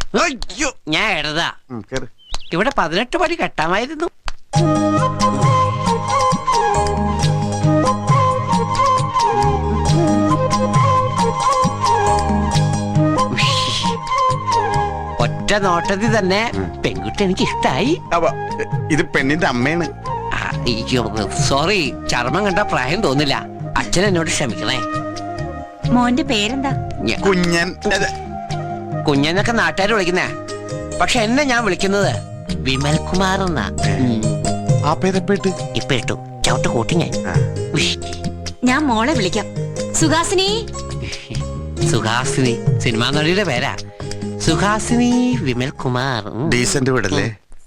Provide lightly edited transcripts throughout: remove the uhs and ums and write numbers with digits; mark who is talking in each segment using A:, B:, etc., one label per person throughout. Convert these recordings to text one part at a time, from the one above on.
A: ഞാൻ എഴുതാ. ഇവിടെ 18 പടി കെട്ടാമായിരുന്നു. ഒറ്റ നോട്ടത്തിൽ തന്നെ പെൺകുട്ടി എനിക്ക് ഇഷ്ടായി.
B: ഇത് പെണ്ണിന്റെ അമ്മയാണ്.
A: സോറി, ചർമ്മം കണ്ട പ്രായം തോന്നില്ല. അച്ഛൻ എന്നോട് ക്ഷമിക്കണേ.
C: മോന്റെ പേരെന്താ?
B: കുഞ്ഞൻ.
A: കുഞ്ഞനൊക്കെ നാട്ടുകാർ വിളിക്കുന്നേ. പക്ഷെ എന്നെ ഞാൻ വിളിക്കുന്നത് വിമൽ കുമാർ എന്നാ.
B: ആ പേരെപ്പെട്ട്
A: ഇപ്പൊ ഇട്ടു ചവിട്ട് കൂട്ടി ഞാൻ.
C: ഞാൻ മോളെ വിളിക്കാം. സുഹാസിനി.
A: സുഹാസിനി സിനിമാ നടിയുടെ പേരാ. സുഹാസിനി വിമൽ കുമാർ.
B: ഡീസന്റ് വീടല്ലേ?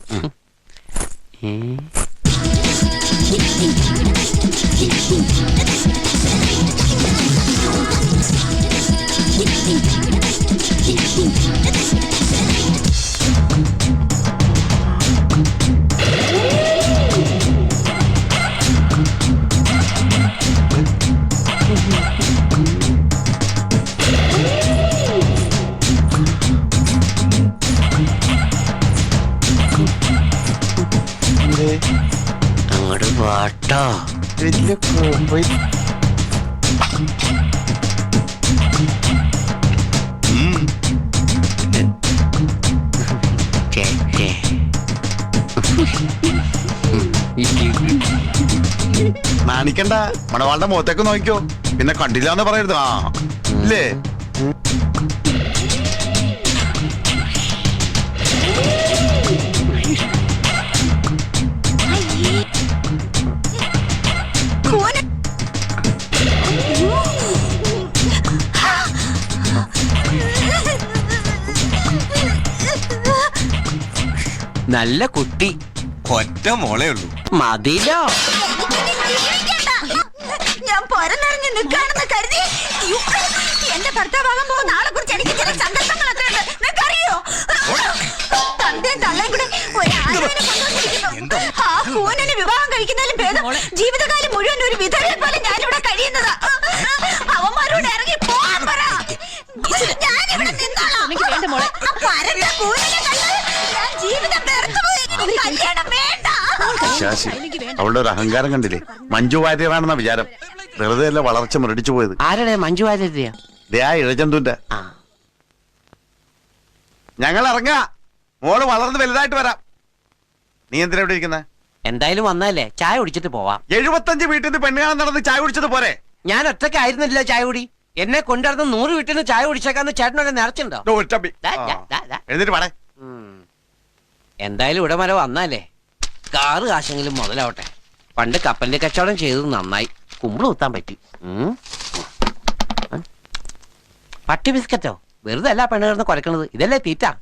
A: അങ്ങോട്ട് പാട്ടോ.
B: വലിയ കോമ്പ്. നാണിക്കണ്ട, മണവാളുടെ മുഖത്തേക്ക് നോക്കിക്കോ. പിന്നെ കണ്ടില്ലാന്ന് പറയരുത്. ആ ഇല്ലേ?
A: നല്ല കുട്ടി.
B: ഒറ്റ മോളേ ഉള്ളൂ.
A: മതിലോ.
C: ഞാൻ പൊരനിറങ്ങി നിൽക്കാണെന്ന് കരുതി എന്റെ ഭർത്താവാകാൻ പോകുന്ന ആളെ കുറിച്ച് എനിക്ക് ചില സന്ദർഭങ്ങളൊക്കെ ഉണ്ട്. നിനക്കറിയോ? തന്തയും തള്ളയും കൂടെ ഒരാളിനെ കൊണ്ടുവന്നിരിക്കുന്നു. ആ കൂനന് വിവാഹം കഴിക്കുന്നതിലും ഭേദം ജീവിതകാലം മുഴുവൻ ഒരു വിധവയെ പോലെ ഞാനിവിടെ കഴിയുന്നതാ. അവന്മാരോട് ഇറങ്ങി പോകാൻ പറ. ഞാനിവിടെ നിന്നോളാം. പരന്ന കൂനനെ കണ്ട് ഞാൻ ജീവിതം വെറുത്തുപോയി. കല്യാണം വേണ്ട.
B: ശാശി, അവളുടെ ഒരു അഹങ്കാരം കണ്ടില്ലേ? മഞ്ജു വാര്യറാണെന്ന വിചാരം. വെറുതെ അല്ല വളർച്ച മുരടിച്ചു പോയത്.
A: ആരുടെ? മഞ്ജു വാര്യരുടെയാ?
B: ഇഴജന്തുന്റെ. ഞങ്ങൾ ഇറങ്ങാ. മോള് വളർന്ന് വലുതായിട്ട് വരാം. നീ എന്തിനാ ഇവിടെ ഇരിക്കുന്ന?
A: എന്തായാലും വന്നല്ലേ, ചായ കുടിച്ചിട്ട് പോവാം.
B: 75 വീട്ടിൽ നിന്ന് പെണ്ണുകാണാൻ നടന്ന് ചായ കുടിച്ചത് പോരെ?
A: ഞാൻ ഒറ്റയ്ക്കായിരുന്നില്ല ചായ കുടി. എന്നെ കൊണ്ടുവരുന്ന 100 വീട്ടിൽ നിന്ന് ചായ കുടിച്ചേക്കാന്ന് ചേട്ടനോട് നിറച്ചുണ്ടോ?
B: എഴുന്നേറ്റ് പാടേ.
A: എന്തായാലും ഇവിടെ വരെ വന്നാലേ കാറ് കാശെങ്കിലും മുതലാവട്ടെ. പണ്ട് കപ്പലിന്റെ കച്ചവടം ചെയ്തത് നന്നായി. കുമ്പിള് കുത്താൻ പറ്റി. പട്ടി ബിസ്ക്കറ്റോ? വെറുതെ അല്ല പെണ്ണ് കിടന്ന് കുരക്കണത്. ഇതല്ലേ തീറ്റ.